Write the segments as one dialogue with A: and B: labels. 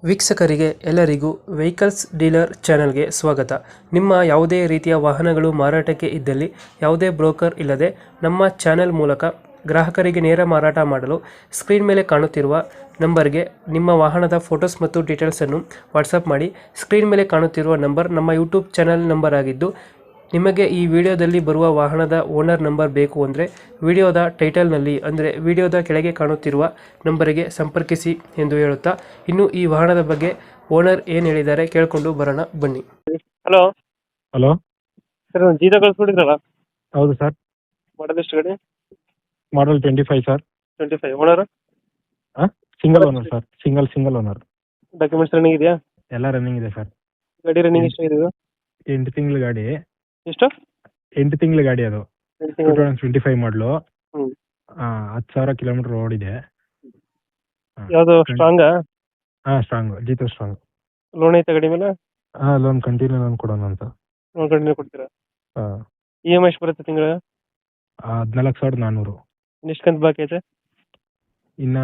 A: ವೀಕ್ಷಕರಿಗೆ ಎಲ್ಲರಿಗೂ vehicles dealer ಚಾನೆಲ್ಗೆ ಸ್ವಾಗತ. ನಿಮ್ಮ ಯಾವುದೇ ರೀತಿಯ ವಾಹನಗಳು ಮಾರಾಟಕ್ಕೆ ಇದ್ದಲ್ಲಿ ಯಾವುದೇ ಬ್ರೋಕರ್ ಇಲ್ಲದೆ ನಮ್ಮ ಚಾನೆಲ್ ಮೂಲಕ ಗ್ರಾಹಕರಿಗೆ ನೇರ ಮಾರಾಟ ಮಾಡಲು ಸ್ಕ್ರೀನ್ ಮೇಲೆ ಕಾಣುತ್ತಿರುವ ನಂಬರ್ಗೆ ನಿಮ್ಮ ವಾಹನದ ಫೋಟೋಸ್ ಮತ್ತು ಡೀಟೇಲ್ಸನ್ನು ವಾಟ್ಸಪ್ ಮಾಡಿ. ಸ್ಕ್ರೀನ್ ಮೇಲೆ ಕಾಣುತ್ತಿರುವ ನಂಬರ್ ನಮ್ಮ ಯೂಟ್ಯೂಬ್ ಚಾನೆಲ್ ನಂಬರ್ ಆಗಿದ್ದು, ನಿಮಗೆ ಈ ವಿಡಿಯೋದಲ್ಲಿ ಬರುವ ವಾಹನದ ಓನರ್ ನಂಬರ್ ಬೇಕು ಅಂದರೆ ವಿಡಿಯೋದ ಟೈಟಲ್ನಲ್ಲಿ ಅಂದರೆ ವಿಡಿಯೋದ ಕೆಳಗೆ ಕಾಣುತ್ತಿರುವ ನಂಬರಿಗೆ ಸಂಪರ್ಕಿಸಿ ಎಂದು ಹೇಳುತ್ತಾ, ಇನ್ನು ಈ ವಾಹನದ ಬಗ್ಗೆ ಓನರ್ ಏನು ಹೇಳಿದ್ದಾರೆ ಕೇಳಿಕೊಂಡು ಬರೋಣ ಬನ್ನಿ. ಹಲೋ
B: ಹಲೋ,
A: ಸರ್, ಒಂದು ಜೀತ ಕಳಿಸ್ಬಿಟ್ಟಿದ್ರಲ್ಲ,
B: ಹೌದು ಸರ್.
A: ಮಾಡೋದು ಎಷ್ಟು ಗಾಡಿ?
B: Model 25 sir.
A: 25. Owner
B: single owner sir. Single owner.
A: Documents running ಇದೆಯಾ?
B: ಎಲ್ಲ ರನ್ನಿಂಗ್ ಇದೆ ಸರ್.
A: ಗಾಡಿ ರನ್ನಿಂಗ್ ಎಷ್ಟು ಇದೆ?
B: 8 ತಿಂಗಳ ಗಾಡಿ.
A: ಎಷ್ಟು?
B: 8 ತಿಂಗಳ ಗಾಡಿ ಅದು. 2025 ಮಾಡಲು.
A: ಹ್ಮ್.
B: 10,000 ಕಿಲೋಮೀಟರ್ ಓಡಿದೆ.
A: ಯಾವುದು strong?
B: Strong, Jeeto strong.
A: Loan ಐತೆ ಗಾಡಿ ಮೇಲೆ?
B: ಲೋನ್ ಕಂಟಿನ್ಯೂ ಲೋನ್ ಕೊಡೋಣ ಅಂತ.
A: ಲೋನ್ ಕಂಟಿನ್ಯೂ ಕೊಡ್ತೀರಾ? EMI ಎಷ್ಟು ಬರುತ್ತೆ ತಿಂಗಳ?
B: 14,400.
A: ಎಷ್ಟು ಕಂತು ಬಾಕಿ ಐತೆ?
B: ಇನ್ನ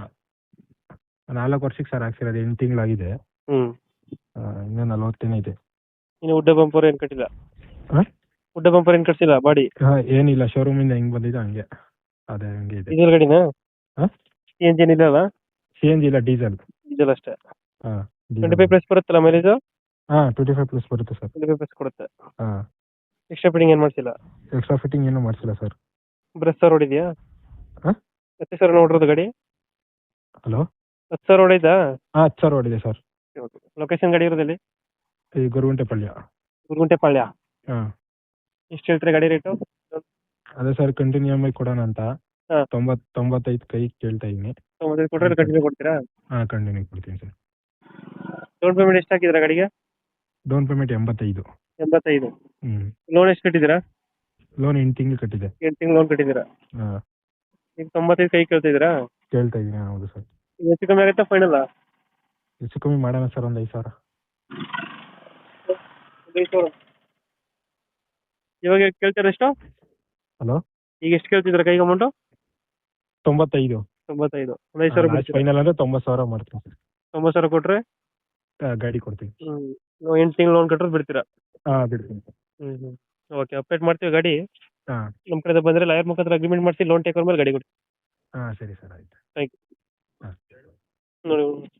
B: 4 ವರ್ಷಕ್ಕೆ ಸರ್ ಹಾಕ್ಸಿರೋದು. 8 ತಿಂಗಳಾಗಿದೆ. ಇನ್ನ 40 ಇದೆ.
A: ಇನ್ನು ಉಡ್ಡ ಬಂಪರ್ ಏನು ಕಟ್ಟಿಲ್ಲ?
B: ಹಾ?
A: ಉಡ್ಡ ಬಂಪರ್ ಏನು ಕಟ್ಸಿಲ್ಲ ಬಾಡಿ?
B: ಏನಿಲ್ಲ, ಶೋರೂಮ್ ಇಂದ ಹೆಂಗ್ ಬಂದಿದೆ ಹಂಗೆ ಅದೇ ಹಂಗೆ ಇದೆ.
A: ಡೀಸೆಲ್ ಗಾಡಿನಾ? CNG ಇಲ್ಲ ಅಲ್ಲ?
B: CNG ಇಲ್ಲ, ಡೀಸೆಲ್.
A: ಡೀಸೆಲ್ ಅಷ್ಟೇ.
B: ಹಾಂ,
A: 25 ಪ್ಲಸ್ ಬರುತ್ತಲ್ಲ ಮೈಲೇಜ್?
B: 25 ಪ್ಲಸ್ ಬರುತ್ತೆ ಸರ್.
A: 25 ಪ್ಲಸ್ ಕೊಡುತ್ತೆ.
B: ಹಾಂ.
A: ಎಕ್ಸ್ಟ್ರಾ ಫಿಟ್ಟಿಂಗ್ ಏನು ಮಾಡ್ಸಿಲ್ಲ?
B: ಎಕ್ಸ್ಟ್ರಾ ಫಿಟ್ಟಿಂಗ್ ಏನೂ ಮಾಡಿಸಿಲ್ಲ ಸರ್.
A: ಬ್ರೆಸ್ ಸರ್ ಹೊಡಿದ್ಯಾ?
B: ಹಾಂ,
A: 10,000 ನೋಡಿರೋದು ಗಾಡಿ?
B: ಹಲೋ,
A: 10,000 ಹೊಡಿದಾ?
B: 10,000 ಹೊಡಿದೆ ಸರ್.
A: ಲೊಕೇಶನ್ ಗಾಡಿ ಇರೋದಲ್ಲಿ?
B: ಈ ಗುರುಗುಂಟೆಪಾಳ್ಯ.
A: ಗುರುಗುಂಟೆಪಾಳ್ಯ.
B: ಹಾಂ.
A: ಎಷ್ಟು ಹೇಳ್ತೀರಾ ಗಾಡಿ ರೇಟು?
B: ಅದೇ ಸರ್, ಕಂಟಿನ್ಯೂ EMI ಕೊಡೋಣ ಅಂತ.
A: ಹಾಂ.
B: 95 ಕೈ ಕೇಳ್ತಾ ಇದ್ದೀನಿ.
A: 95 ಕೊಟ್ಟರೆ ಕಂಟಿನ್ಯೂ ಕೊಡ್ತೀರಾ?
B: ಕಂಟಿನ್ಯೂ ಕೊಡ್ತೀನಿ ಸರ್.
A: ಡೌನ್ ಪೇಮೆಂಟ್ ಎಷ್ಟು ಹಾಕಿದ್ದೀರಾ ಗಾಡಿಗೆ?
B: Down payment 85.
A: 85. ಲೋನ್ ಎಷ್ಟು ಕಟ್ಟಿದ್ದೀರಾ?
B: ಲೋನ್ 8 ತಿಂಗಳು ಕಟ್ಟಿದೆ.
A: 8 ತಿಂಗಳು ಲೋನ್ ಕಟ್ಟಿದ್ದೀರಾ?
B: ಹಾಂ.
A: ಈಗ 95 ಕೈ ಕೇಳ್ತಿದ್ದೀರಾ?
B: ಕೇಳ್ತಾ ಇದ್ದೀನಿ. ಹೌದು ಸರ್.
A: ಹೆಚ್ಚು ಕಮ್ಮಿ ಆಗುತ್ತಾ ಫೈನಲ್?
B: ಹೆಚ್ಚು ಕಮ್ಮಿ ಮಾಡೋಣ ಸರ್, ಒಂದು 5,000.
A: ಇವಾಗ ಕೇಳ್ತೀರಾ ಎಷ್ಟು?
B: ಹಲೋ,
A: ಈಗ ಎಷ್ಟು ಕೇಳ್ತಿದ್ದೀರಾ ಕೈಗೆ ಅಮೌಂಟು?
B: 95.
A: 95. ಒಂದು 5,000
B: ಫೈನಲ್ ಅಂದರೆ 90,000 ಮಾಡ್ತೀನಿ ಸರ್.
A: 90,000 ಕೊಟ್ಟರೆ
B: ಗಾಡಿ ಕೊಡ್ತೀನಿ.
A: 8 ತಿಂಗಳು ಲೋನ್ ಕಟ್ಟರೆ ಬಿಡ್ತೀರಾ?
B: ಬಿಡ್ತೀನಿ.
A: ಓಕೆ, ಅಪ್ಡೇಟ್ ಮಾಡ್ತೀವಿ ಗಾಡಿ.
B: ಹಾಂ.
A: ನಮ್ಮ ಕಡೆ ಬಂದರೆ ಲಾಯರ್ ಮುಖಾಂತರ ಅಗ್ರಿಮೆಂಟ್ ಮಾಡಿಸಿ ಲೋನ್ ಟೇಕ್ ಓವರ್ ಮೇಲೆ ಗಾಡಿ ಕೊಡಿ.
B: ಸರಿ ಸರ್, ಆಯ್ತು.
A: Thank you.
B: ಹಾಂ.
A: ನೋಡಿ